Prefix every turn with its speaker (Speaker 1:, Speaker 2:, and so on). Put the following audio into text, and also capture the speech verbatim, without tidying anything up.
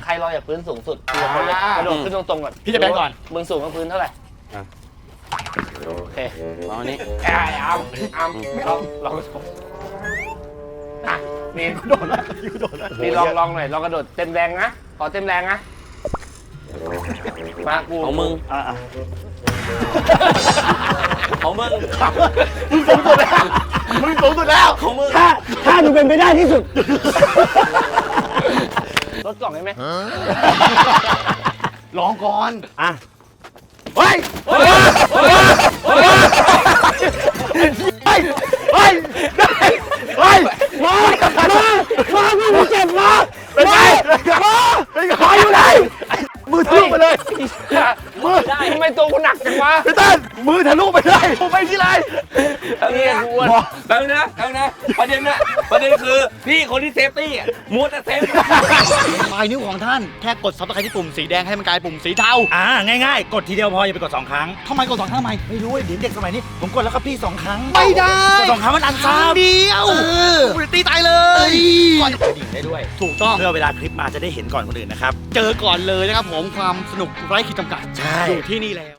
Speaker 1: รลอยจากพื้นสูงสุดทีละคนเลยกระโดดขึ้นตรงๆก่อน
Speaker 2: พี่จะไปก่อน
Speaker 1: มึงสูงกว่าพื้นเท่าไหร่โอเค
Speaker 3: เอาอันนี้
Speaker 1: ไอ้อ้ามอ้ามลองลองอ่ะมีน
Speaker 2: โดดแล้วโดดแล้ว
Speaker 1: มีลองลองหน่อยลองกระโดดเต็มแรงนะขอเต็มแรงนะมากู
Speaker 3: ของมึง
Speaker 2: อ่ะ
Speaker 3: ของมึง
Speaker 2: มึงสูงสุดแล้วมึงสูงสุดแล้ว
Speaker 3: ของมึง
Speaker 4: ถ้าถ้าดูเป็นไปได้ที่สุด
Speaker 1: ลดกล่องได้ไหม
Speaker 2: ลองก่อน
Speaker 4: อ่ะ
Speaker 2: เฮ้ยเฮ้ยเฮ้ยเฮ้ยเฮ้ยเฮ้ยเฮ้ยมามามามึงเจ็บมาเป็นไงมาเป็นไงอยู่ไหนมือทะลุไปเลยมือ
Speaker 1: ได้ทำไมตัวกูหนักจังวะ
Speaker 2: พี่ตั้นมือทะลุไปเลยผมไปที่ไร
Speaker 1: นี่กูอ้วน
Speaker 3: แป๊บนึงนะแป๊บนึงนะประเด็นนะประเด็นคือพี่คนที่เซฟตี้อ่ะมัวแต่เซฟ
Speaker 2: ปลายนิ้วของท่านแค่กดซับสไครต์ที่ปุ่มสีแดงให้มันกลายปุ่มสีเทา
Speaker 4: อ่าง่ายๆ กดทีเดียวพออย่าไปกดสองครั้ง
Speaker 2: ทำไมกดสองครั้งทำไม
Speaker 4: ไม่รู้เดี๋ยวเด็กสมัยนี้ ผมกดแล้วครับพี่สองครั้ง
Speaker 2: ไม่ได้
Speaker 4: กดสองครั้งมันอันซ้ำ
Speaker 2: เดียวกูจะตีตายเลยก่อน
Speaker 4: กระดิ่งได้ด้วย
Speaker 2: ถูกต้อง
Speaker 4: เพื่อเวลาคลิปมาจะได้เห็นก่อนคนอื่นนะครับ
Speaker 2: เจอก่อนเลยนะครับผมความสนุกไร้ขีดจำกัด
Speaker 4: ใช่
Speaker 2: อยู่ที่นี่แล้ว